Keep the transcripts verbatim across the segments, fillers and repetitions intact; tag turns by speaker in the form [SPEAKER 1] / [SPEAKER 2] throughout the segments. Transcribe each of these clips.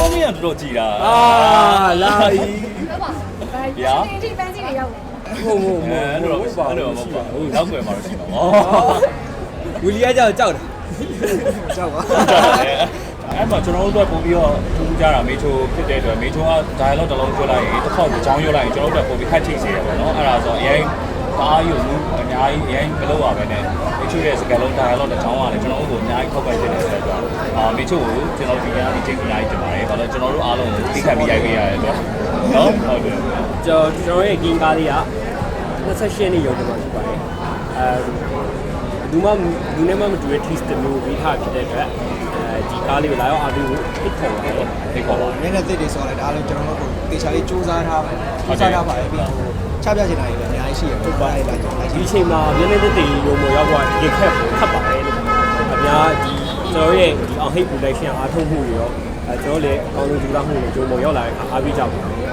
[SPEAKER 1] င်းကြီးကတော်တော်ကြည်တာအာ
[SPEAKER 2] လာပြီ
[SPEAKER 3] ဗျာဒီပန်းစီတွေရောက်တယ်
[SPEAKER 2] ဟုတ်ဟုတ်ဟုတ်
[SPEAKER 1] အဲ့လိုအဲ့လိုမဟုတ်ပါဘူးနောက်ွယ်မှာတော့ရှိတော့
[SPEAKER 2] ဝီလီယာကြောက်ကြောက်တယ်ကြောက်ပါ
[SPEAKER 1] အဲ့မှာကျွန်တော်တို့ပုံပြီးတော့ထူးကြတာမေချိုဖြစ်တဲ့အတွက်မေချိုက dialogue တစ်လုံးပြောလိုက်ရင်တစ်ခေါက်ကြောင်းရွလိုက်ရင်ကျွန်တော်တို့ပုံပြီးခတ်ချိစေရပါတော့အဲ့ဒါဆိုအရင်တအားယူမှုအများကြီးအရင်မလုပ်ရဘဲနဲ့မေချိုရဲ့စကားလုံး dialogue တစ်ချောင်းကလည်းကျွန်တော်တို့ကိုအများကြီးခောက်ပတ်ဖြစ်နေတယ်ဆိုတော့အာမေချိုကိုကျွန်တော်ဒီကနေ့ချိန်ကြီးတင်ပါတယ်ဘာလို့ကျွန်တော်တို့အားလုံးကိုသိခံပြီးရိုက်ပေးရတယ်ဆိုတော့နော်ဟုတ်တယ်
[SPEAKER 2] ကျွန်တော်ကျွန်တော်ရဲ့ဂိမ်းကားလေးက၂၈ရက်နေ့ရုံးမှာဖြစ်ပါတယ်အဲဘူးမဘူးနဲ့မှမတူတဲ့ twist မျိုးပြီးထားဖြစ်တဲ့အတွက်အဲဒီကားလေးကိုလာရောက်အားပေးဖို့ဖိတ်ခေါ်ပါတယ်
[SPEAKER 1] ဖိတ်ခေါ်ပါ
[SPEAKER 4] နည်းနည်းသိတယ်ဆိုတော့လည်းဒါအားလုံးကျွန်တော်တို့တေချာလေးစူးစမ်းထားပါစူးစမ်းထားပါတယ်ပြီးတော့ချပြချင်တာတွေလည်းအများကြီးရှိရပုတ်ပါလိုက်လာကျွန်တော်
[SPEAKER 2] ဒီအချိန်မှာနည်းနည်းသိတယ်ရုံပေါ်ရောက်သွားဒီခက်ခတ်ပါတယ်လို့အများဒီကျွန်တော်ရဲ့ဒီအောင်ဟိတ် production အားထုတ်မှုတွေရောအဲကျွန်တော်လည်းအကောင်းဆုံးကြိုးစားမှုတွေရုံပေါ်ရောက်လာတဲ့အခါအားပေးကြပါ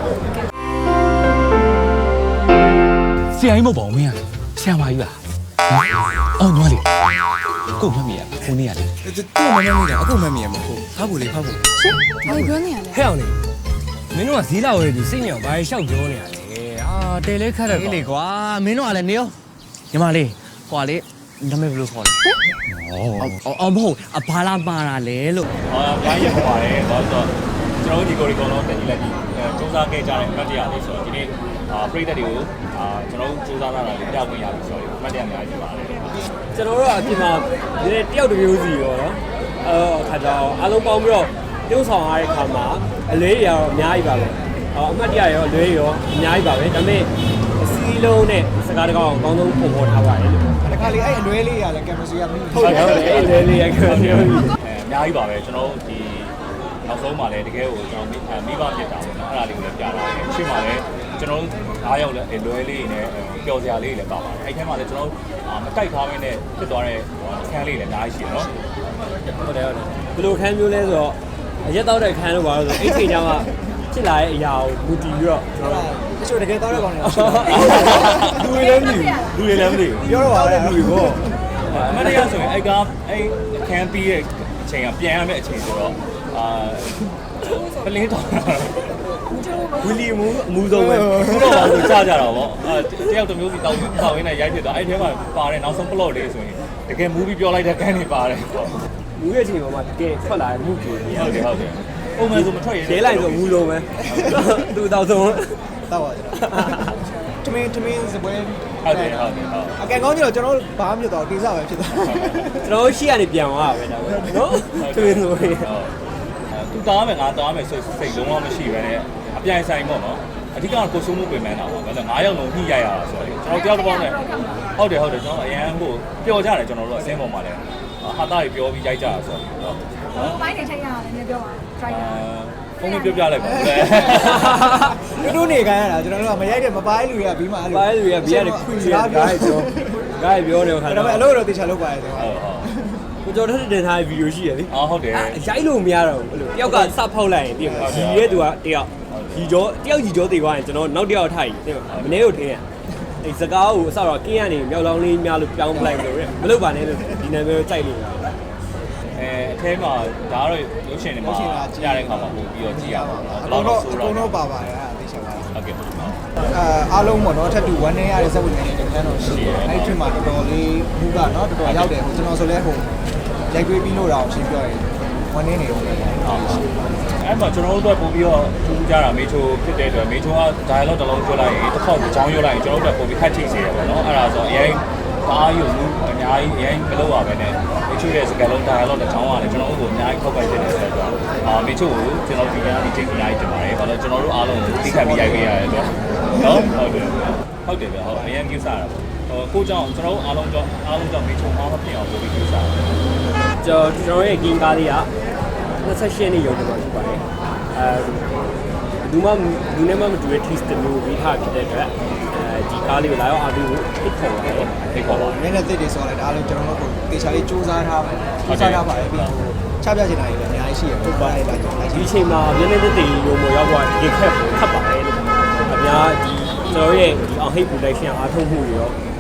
[SPEAKER 5] ဆရာကြီးမဟုတ်ပါဘူးမင်းကဆရာမကြီးပါအော်ညီမလေးကိုမမီးရခုနေရလေ
[SPEAKER 4] တူမမမီးတာအခုမမီးရမဟုတ်ဖားဖို့လေဖားဖို့
[SPEAKER 3] ရှင်ဘာပြောနေရလဲ
[SPEAKER 5] ဟဲ့အောင်လေမင်းတို့ကဈေးလာဝယ်ပြီးစိတ်ညစ်အောင်ဘာလျှောက်ပြောနေရလဲအာတဲလဲခတ်တယ်လေကွာမင်းတို့ကလည်းနေရောညီမလေးဟွာလေနာမည်ဘယ်လိုခေါ်လဲအော်အော်မဟုတ်အဘာလာပါတာလဲလို့
[SPEAKER 1] အာဘာရပါလဲဘာလို့ကျွန်တော်တို့ဒီကိုရီကောင်တော့တင်ကြီးလက်ဒီစူးစမ်းခဲ့ကြတဲ့အမှတ်တရလေးဆိုတော့ဒီနေ့အာပရိသတ်တွေကိုအာကျွန်တော်တို့စူးစမ်းလာတာလေးကြောက်ဝင်ရပြီဆိုတော့အမှတ်တရအများကြီးပါတယ်
[SPEAKER 2] ကျွန်တော်တို့အပြင်မှာဒီနေ့တယောက်တစ်မျိုးစီရောနော်အဲခါကြောင်အားလုံးပေါင်းပြီးတော့ပြုံးဆောင်ရတဲ့ခါမှာအလေးတွေကတော့အများကြီးပါပဲအမှတ်တရရောအလေးရောအများကြီးပါပဲဒါပေမဲ့အစည်းလုံးနဲ့စကားတကောင်းအကောင်းဆုံးပုံဖော်ထားပါတယ်လို့
[SPEAKER 4] တခါလေအဲ့အလွဲလေးရလဲကင်မရာကမင်း
[SPEAKER 2] ဟုတ်တယ်ဟုတ်တယ်အဲ့အလွဲလေးရကင်မရာ
[SPEAKER 1] အဲအများကြီးပါပဲကျွန်တော်တို့ဒီနောက်ဆုံးမှာလည်းတကယ်ကိုကျွန်တော်မိဘဖြစ်တာပေါ့နော်အဲ့ဒါလေးကိုလည်းပြတာတယ်ရှင်းပါလေကျွန်တော်တို့အားရောက်လဲလွယ်လေးနဲ့ပျော်စရာလေးတွေလည်းပါပါတယ်အဲ့ထဲမှာလည်းကျွန်တော်တို့မတိုက်ထားမင်းနဲ့ဖြစ်သွားတဲ့အခန်းလေးလည်းအများကြီးရှိတယ်နော်
[SPEAKER 2] ဟုတ်တယ်ဟုတ်တယ်ဘယ်လိုခန်းမျိုးလဲဆိုတော့အရက်တော့တဲ့ခန်းလို့ပါလို့ဆိုအဲ့ချိန်ကျမှဖြစ်လာတဲ့အရာကိုမူတည်ပြီးတော့ကျွန်တော်
[SPEAKER 4] တချို့တကယ်တော့တဲ့ကောင်တွေ
[SPEAKER 2] လူတွေလည်းမသိဘူးလူတွေလည်းမသိဘူး
[SPEAKER 4] ပြောတော့ပါလေလူတွေပေါ့
[SPEAKER 1] အမတရားဆိုရင်အဲ့ကအဲ့အခန်းပြီးရဲ့အချိန်ကပြန်ရမယ့်အချိန်ဆိုတော့အာပလင်းတော်
[SPEAKER 2] ဝီလီမူအမှုဆုံးပဲ
[SPEAKER 1] ဘုတော့ပါဆိုကြားကြတာပေါ့အဲတယောက်တစ်မျိုးစီတောင်းတောင်းရင်းနဲ့ရိုက်ဖြစ်သွားအဲ့ထဲမှာပါတယ်နောက်ဆုံး plot လေးဆိုရင်တကယ် movie ပြောလိုက်တဲ့ကန်တွေပါတယ်ပေါ့
[SPEAKER 2] မူရဲ့အချိန်မှာတကယ်ထွက်လာတဲ့မှုကြီး
[SPEAKER 1] ဟုတ်တယ်ဟုတ်တယ်ပုံမှန်ဆိုမထွက်ရ
[SPEAKER 2] ရဲလိုက်ဆိုမူလုံးပဲသူ့တောက်ဆုံး
[SPEAKER 4] တောက်ပါကျွန်တော်တမင်းတမင်းစပွဲ
[SPEAKER 1] ဟုတ်တယ်ဟုတ်တယ်ဟုတ်
[SPEAKER 4] အကဲကောင်းကြီးတော့ကျွန်တော်ဘာမှမဖြစ်တော့တေးစားပဲဖြစ်သွား
[SPEAKER 2] ကျွန်တော်ရှေ့ကနေပြန်သွားတာပဲဒါပဲနော်တမင်းဆိုရင်
[SPEAKER 1] သူတားမယ်ငါတားမယ်ဆိုစိတ်လုံးဝမရှိပဲနဲ့အပြိုင်ဆိုင်ပေါ့နော်အဓိကကိုစိုးမှုပြင်မှန်းတာပေါ့ဘာလို့ငါးယောက်လုံးညှိရရတာဆိုတော့ကျွန်တော်တယောက်တစ်ပေါင်းနဲ့ဟုတ်တယ်ဟုတ်တယ်ကျွန်တော်အရန်ကိုပျော်ကြတယ်ကျွန်တော်တို့အစင်းပေါ်မှာလည်းဟာတာတွေပြောပြီးရိုက်ကြတာဆိုတော့
[SPEAKER 3] ဟိုဘိုင်းနေချိန်ရတယ်နည်းပြောပါ try ရ
[SPEAKER 1] ဖုန်းပြောပြလိုက်ပါဦး
[SPEAKER 4] လေတို့နေခိုင်းရတာကျွန်တော်တို့ကမရိုက်တဲ့မပိုင်းလူတွေကပြီးမှအဲ့လို
[SPEAKER 2] ပိုင်းလူတွေကပြီးရတယ်ခွင့်ရတာပြောဂိုင်းပြောနေခါ
[SPEAKER 4] တော့ဒါပေမဲ့အလုပ်တော့တေချာလုပ်ပါရဲ့ဆို
[SPEAKER 1] ဟုတ်ဟုတ်
[SPEAKER 2] ကိုကျော်ထက်တင်ထားတဲ့ဗီဒီယိုရှိရလေ
[SPEAKER 1] အော်ဟုတ်တယ်
[SPEAKER 2] ရိုက်လို့မရတော့ဘူးအဲ့လိုတယောက်ကစဖောက်လိုက်ရင်ပြင်မှာကြီးရဲ့သူကတယောက်ကြီးကျော်တယောက်ကြီးကျော်တေသွားရင်ကျွန်တော်နောက်တယောက်ထိုက်ပြင်မှာမနေ့ကထင်းရအဲ့စကားကိုအစတော့ကင်းရနေမြောက်လောင်းလေးများလို့ပြောင်းပလိုက်လို့ရမလုပ်ပါနဲ့လို့ဒီနာမည်ကိုကြိုက်လို့
[SPEAKER 1] အဲအထဲမှာဒါကတော့ရုပ်ရှင်တွေမှာကြားတဲ့ခါမှာပို့ပြီးတော့ကြည့်ရပါ
[SPEAKER 4] တော့ဘယ်တော့ဆိုတော့အကုန်လုံးပါပါတယ်အဲ့ဒါသိချင်ပါတယ်
[SPEAKER 1] ဟုတ်ကဲ့
[SPEAKER 4] အာအားလုံးပေါ့နော်ထပ်တူone day ရတဲ့စက်ဝင်နေတဲ့တန်းတော်ရှိတယ်အဲ့ဒီမှာတော်တော်လေးမှုကနော်တော်တော်ရောက်တယ်ဟိုကျွန်တော်ဆိုလဲဟိုရိုက်တွေးပြီးလို့တော့ရှင်းပြောရင်one day နေဦးတယ်ဟုတ်ပါ
[SPEAKER 1] အဲ့မှာကျွန်တော်တို့ပို့ပြီးတော့ထူးကြတာမေချိုဖြစ်တဲ့အတွက်မေချိုက dialogue တစ်လုံးပြောလိုက်ရင်တစ်ခေါက်ကြောင်းရွလိုက်ရင်ကျွန်တော်တို့ပို့ပြီးခတ်ချိစေရပါတော့အဲ့ဒါဆိုအရင်အားယူမှုအများကြီးအရင်မလုပ်ရပဲနဲ့မေချိုရဲ့စကားလုံး dialogue တစ်ချောင်းကလည်းကျွန်တော်တို့ကိုအများကြီးခောက်ပတ်ဖြစ်နေတယ်ဆိုတော့အာမေချိုကိုကျွန်တော်ဒီကနေ့ချိန်ကြီးရိုက်တင်ပါတယ်ဘာလို့ကျွန်တော်တို့အားလုံးကိုသိခံပြီးရိုက်ပေးရတယ်ဆိုတော့နော်ဟုတ်တယ်ဟုတ်တယ်ဗျဟုတ်အရင်ကိစ္စရတာဟိုကိုကြောင့်ကျွန်တော်တို့အားလုံးကြောင့်အားလုံးကြောင့်မေချိုအားမပြည့်အောင်လုပ်ပြီးကိစ္စရတယ်
[SPEAKER 2] ကျွန်တော်ကျွန်တော်ရဲ့ဂိမ်းကားလေးက၂၈ရက်နေ့ရုံးမှာဖြစ်ပါတယ်အဲဘူးမဘူးနဲ့မှမတူတဲ့ twist မျိုးပြီးထားဖြစ်တဲ့အတွက်အဲဒီကားလေးကိုလာရောက်အားပေးဖို့ဖိတ်ခေါ်ပါတယ်
[SPEAKER 1] ဖိတ်ခေါ်ပါ
[SPEAKER 4] နည်းနည်းသိတယ်ဆိုတော့လည်းဒါအားလုံးကျွန်တော်တို့တေချာလေးစူးစမ်းထားပါစူးစမ်းထားပါတယ်ပြီးတော့ချပြချင်တာတွေလည်းအများကြီးရှိရပုတ်ပါလိုက်လာကျွန်တော်
[SPEAKER 2] ဒီအချိန်မှာနည်းနည်းသိတယ်ရုံပေါ်ရောက်သွားဒီခက်ခတ်ပါတယ်လို့အများဒီကျွန်တော်ရဲ့ဒီအောင်ဟိတ် production အားထုတ်မှုတွေရော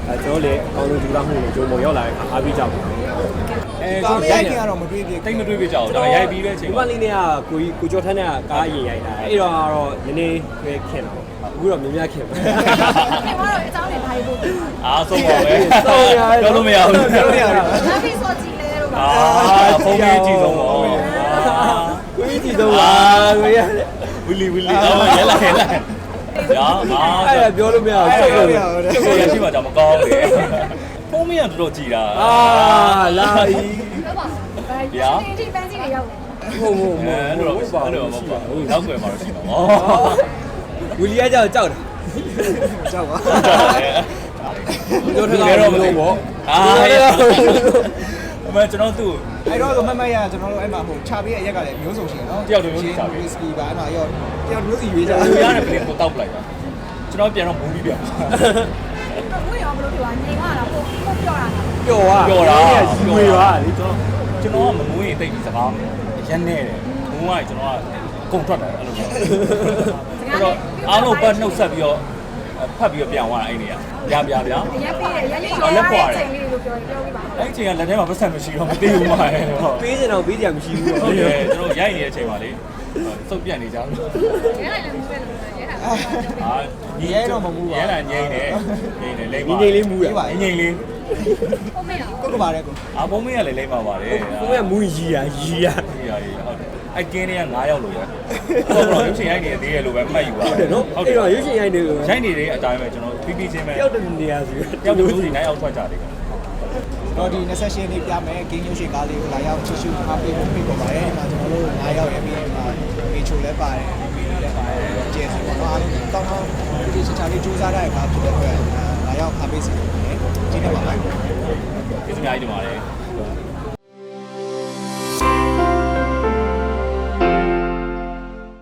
[SPEAKER 2] အဲကျွန်တော်လည်းအကောင်းဆုံးကြိုးစားမှုနဲ့ဂျုံပေါ်ရောက်လာတဲ့အခါအားပေးကြပါမယ်
[SPEAKER 1] အဲ
[SPEAKER 4] ကာ
[SPEAKER 1] ကျွန်
[SPEAKER 4] မ
[SPEAKER 1] တော်
[SPEAKER 4] ရို
[SPEAKER 1] ရို
[SPEAKER 4] က်
[SPEAKER 1] က်
[SPEAKER 4] ခင်ကတော့မတွေးပြ
[SPEAKER 1] တိတ်မတွေးပြကြအောင်ဒါရိုက်ပြီးတဲ့အချိန်
[SPEAKER 2] ဒီမ
[SPEAKER 1] မှာ
[SPEAKER 2] လေးနဲ့ကကိုကြီးကိုကျော်ထန်းနဲ့ကားအရင်ရိုက်တာအဲ့တော့ကတော့နည်းနည်းပဲခင်တာပေါ့အခုတော့များများခင်ပါ
[SPEAKER 3] ခင်ဗျားတို့အကြောင်းတွေဘာလို့ပို့လဲ
[SPEAKER 1] အားဆုံးပါပဲပြောလို့မရဘူး
[SPEAKER 4] ပြောလို့ရတယ်
[SPEAKER 3] ။ဘာဖြစ်ဆိုကြည့်လဲတော့
[SPEAKER 1] အာဖုန်းကြီးကြည့်ဆုံးပါ
[SPEAKER 2] ကိုကြီးကြည့်တော့ပါကိုရ
[SPEAKER 1] ဝီလီဝီလီအော်ရဲလာရဲလာရာအာ
[SPEAKER 2] အဲ့ဒါပြောလို့မရဘူး
[SPEAKER 4] အဲ့
[SPEAKER 2] ဆက်
[SPEAKER 4] ဒါ
[SPEAKER 2] လို့
[SPEAKER 4] ပြောရတ
[SPEAKER 1] ကျုပ်ရရှိမှကြောင့်မကောင်းလေဖုန်းမရတော်တော်ကြည်တာ
[SPEAKER 2] အာလာဤ
[SPEAKER 3] တော့ပါ။ဘာရှင်ဒီပန်းစီတွေရောက်တယ်
[SPEAKER 2] ဟုတ်ဟုတ်
[SPEAKER 1] အဲ
[SPEAKER 2] ဟုတ်
[SPEAKER 1] အဲ့လို
[SPEAKER 2] ဟုတ်ပါ
[SPEAKER 1] အဲ့လို
[SPEAKER 2] ဘူး
[SPEAKER 1] မဟုတ်ပါဘူးနောက်ွယ်မှာတော့ရှိပါဘော
[SPEAKER 2] ဝီလီယာကြောက်ကြောက်တာ
[SPEAKER 4] ကြောက်ပါ
[SPEAKER 2] ပြောထတာတော့မလို့ပေါ့
[SPEAKER 1] အာအမကျွန်တော်သူ့
[SPEAKER 4] အဲ့တော့မမရကျွန်တော်တို့အဲ့မှာဟိုခြာပေးရဲ့ရက်ကလည်းမျိုးစုံရှိတယ်နော်ဝီစကီပါအဲ့မှာရောတယောက်မျိုးစီရွေးကြ
[SPEAKER 1] လူရတဲ့ကလေးကိုတောက်ပလိုက်တာကျွန်တော်ပြန်တော့မူးပြီးပြန်
[SPEAKER 3] ။ဘယ်ရောဘလို့ပြောငြိမ်သွားတာပို့ပို့ပြောတာ
[SPEAKER 2] ပျော်သွား
[SPEAKER 1] ပြောတာ
[SPEAKER 2] ရွှေပါလေကျွန်တော်
[SPEAKER 1] ကျွန်တော်ကမမူးရင်တိတ်ပြီးစကားရက်နေတယ်မူးကကျွန်တော်ကကုန်ထွက်တယ်အဲ့လိုမျိုးအဲ့တော့အားလုံးပတ်နှုတ်ဆက်ပြီးတော့ဖတ်ပြီးတော့ပြန်သွားတာအဲ့နေရပြပြပြ
[SPEAKER 3] ။အရက်ပေးတယ်ရက်လေးရောရတဲ့ချိန်လေးလို့ပြောပြောပြပါဦး
[SPEAKER 1] အဲ့ချိန်ကလက်ထဲမှာပတ်ဆက်မရှိတော့မသိဘူးမှာဟုတ်
[SPEAKER 2] ပေးစင်တော့ပေးကြမရှိဘူးပေါ့
[SPEAKER 1] ဟုတ်တယ်ကျွန်တော်ရိုက်နေတဲ့အချိန်မှာလေစုပ်ပြတ်နေကြလို့
[SPEAKER 3] ။ရဲလိုက်လည်းမူးပဲလို့ရဲတာ
[SPEAKER 1] အာရဲလာငိမ့်နေငိမ့်နေလိမ့်
[SPEAKER 2] ညီ
[SPEAKER 1] ပါ
[SPEAKER 2] ငယ်လေးမူးတာ
[SPEAKER 1] ငိမ့်လေး
[SPEAKER 3] ။ဟုတ်မေးတော့
[SPEAKER 4] ကိုကပါတယ်ကို
[SPEAKER 1] အာဘုံမင်းကလည်းလိမ့်ပါပါတယ်
[SPEAKER 2] ကိုကမူးရီယာရီယာ
[SPEAKER 1] ဒီရည်ဟုတ်တယ်အကင်းတွေကနးယောက်လို့ရဟုတ်တော့ရုပ်ရှင်ရိုက်နေသေးတယ်လို့ပဲမှတ်ယူပါ
[SPEAKER 2] ဟုတ်တယ်နော်အဲ့တော့ရွှေရှင်ရိုက်နေလို့
[SPEAKER 1] ရိုက်နေတဲ့အတိုင်းပဲကျွန်တော်ပြီးပြီးချင်းပဲ
[SPEAKER 2] တယောက်တည်းနေရာစီ
[SPEAKER 1] တယောက်တူစီနိုင်အောင်ထွက်ကြတယ်
[SPEAKER 4] တော့ဒီနှစ်ဆက်ရှင်းလေးပြမယ်ဂိမ်းရုပ်ရှင်ကားလေးကိုလာရောက်ချစ်ရှုအားပေးဖို့ဖိတ်ခေါ်ပါတယ်ဒီမှာကျွန်တော်တို့၅ရောက်ရပြီးဒီမှာမေချိုလည်းပါတယ်မီလည်းပါတယ်ကျဲစီပေါ့နော်အားလုံးကောင်းကောင်းဒီချာချာလေးစူးစမ်းတဲ့အခါဖြစ်တဲ့အတွက်လာရောက်အားပေးစီတယ်ဒီနေ့ပါပဲ
[SPEAKER 1] ဒီစမြိုင်းဒီမှာလေ